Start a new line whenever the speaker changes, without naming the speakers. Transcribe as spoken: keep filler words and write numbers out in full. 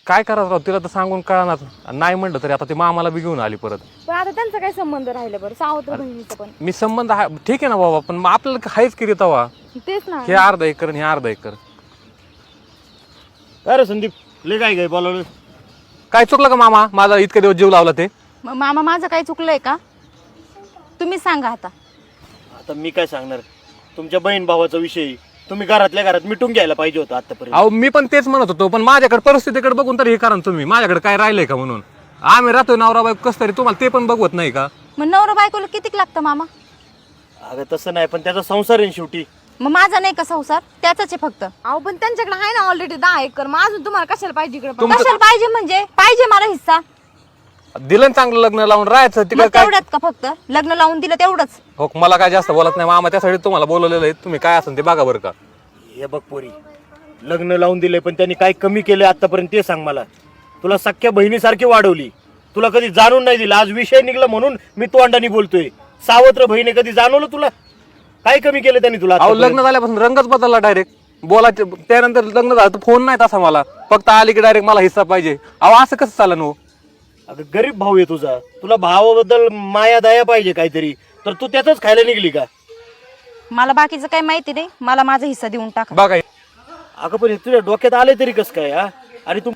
काय करायचं राव, तिला तर सांगून कळणार नाही म्हणलं तरी आता ती मामाला बी घेऊन आली परत.
पण आता त्यांचा काय संबंध राहिला बरं सावत्र बहिणीचा पण?
मी संबंध आहे ठीक आहे ना बाबा, पण मग आपल्याला हायच की रे तवा.
तेच ना.
हे अर्धा एकर आणि हे अर्धा एकर.
अरे संदीप ले काय काय बोलावलं?
काय चुकलं का मामा माझा इतके दिवस जीव लावला ते?
म- मामा माझं काही चुकलंय का? तुम्ही सांगा आता.
आता मी काय सांगणार, तुमच्या बहीण भावाचा विषय तुम्ही घरातल्या घरात मिटून घ्यायला पाहिजे होतं आतापर्यंत.
अहो मी पण तेच म्हणत होतो, पण माझ्याकडे परिस्थितीकडे बघून तर हे करा ना तुम्ही. माझ्याकडे काय राहिलंय का म्हणून आम्ही राहतोय नवरा बायको कसं तरी, तुम्हाला ते पण बघवत नाही का?
मग नवरा बायकोला कितीक लागतं मामा?
अगं तसं नाही, पण त्याचा संसार आहे ना शेवटी.
मग माझा नाही का संसार? त्याचाच आहे फक्त.
अहो पण त्यांच्याकडे आहे ना ऑलरेडी दहा एकर, मग अजून तुम्हाला कशाला पाहिजे इकडे?
तुमचं-
कशाला पाहिजे म्हणजे? पाहिजे मला हिस्सा.
दिलं ना चांगलं लग्न लावून राहायचं तिकडे
मग
काय.
तेवढ्यात का फक्त? लग्न लावून दिलं तेवढंच?
हो मला काय जास्त बोलत नाही मामा, त्यासाठी तुम्हाला बोलवलेलं आहे. तुम्ही काय असेल ते बघा बरं का.
हे बघ पोरी, लग्न लावून दिले पण त्यांनी काय कमी केलं आतापर्यंत ते सांग मला. तुला सख्या बहिणीसारखी वाढवली, तुला कधी जाणून नाही दिलं. आज विषय निघला म्हणून मी तोंडाने बोलतोय. सावत्र बहिणी कधी जाणवलं तुला? काय कमी केलं त्यांनी तुला
अहो
आतापर्यंत?
लग्न झाल्यापासून रंगच बदलला डायरेक्ट. बोलायचे त्यानंतर लग्न झालं तर फोन नाही तसा मला, फक्त आली की डायरेक्ट मला हिस्सा पाहिजे. अहो असं कसं चालन हो?
अगं गरीब भाऊ आहे तुझा, तुला भावाबद्दल माया दया पाहिजे काहीतरी, तर तू त्यातच खायला निघली का?
मला बाकीचं काही माहिती नाही, मला माझा हिस्सा देऊन टाका.
बघा
अगं पण हे तुझ्या डोक्यात आले तरी कसं काय? हा, आणि तू